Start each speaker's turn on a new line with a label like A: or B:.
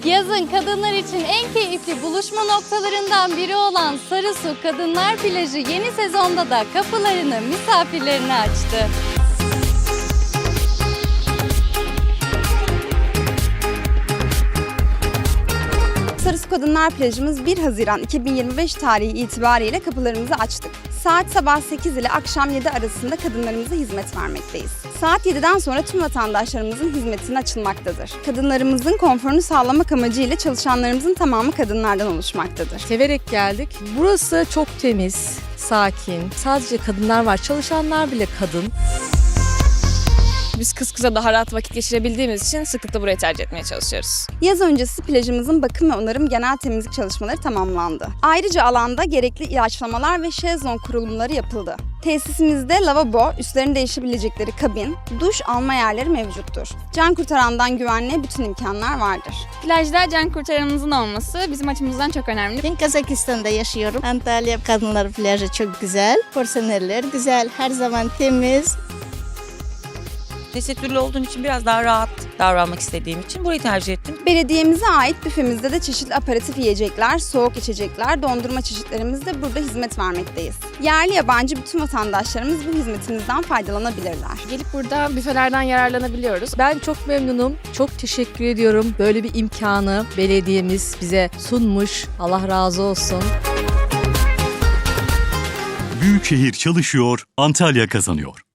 A: Yazın kadınlar için en keyifli buluşma noktalarından biri olan Sarısu Kadınlar Plajı yeni sezonda da kapılarını misafirlerine açtı.
B: Sarısu Kadınlar Plajımız 1 Haziran 2025 tarihi itibariyle kapılarımızı açtık. Saat sabah 8 ile akşam 7 arasında kadınlarımıza hizmet vermekteyiz. Saat 7'den sonra tüm vatandaşlarımızın hizmetine açılmaktadır. Kadınlarımızın konforunu sağlamak amacıyla çalışanlarımızın tamamı kadınlardan oluşmaktadır.
C: Severek geldik. Burası çok temiz, sakin. Sadece kadınlar var. Çalışanlar bile kadın.
D: Biz kız kıza daha rahat vakit geçirebildiğimiz için sıklıkla burayı tercih etmeye çalışıyoruz.
B: Yaz öncesi plajımızın bakım ve onarım genel temizlik çalışmaları tamamlandı. Ayrıca alanda gerekli ilaçlamalar ve şezlong kurulumları yapıldı. Tesisimizde lavabo, üstlerini değişebilecekleri kabin, duş alma yerleri mevcuttur. Can kurtarandan güvenliğe bütün imkanlar vardır.
D: Plajda can kurtaranımızın olması bizim açımızdan çok önemli.
E: Ben Kazakistan'da yaşıyorum. Antalya Kadınlar Plajı çok güzel. Personeller güzel, her zaman temiz.
F: Tesettürlü olduğum için biraz daha rahat davranmak istediğim için burayı tercih ettim.
B: Belediyemize ait büfemizde de çeşitli aperatif yiyecekler, soğuk içecekler, dondurma çeşitlerimizde burada hizmet vermekteyiz. Yerli yabancı bütün vatandaşlarımız bu hizmetimizden faydalanabilirler.
D: Gelip burada büfelerden yararlanabiliyoruz.
C: Ben çok memnunum. Çok teşekkür ediyorum. Böyle bir imkanı belediyemiz bize sunmuş. Allah razı olsun.
G: Büyükşehir çalışıyor, Antalya kazanıyor.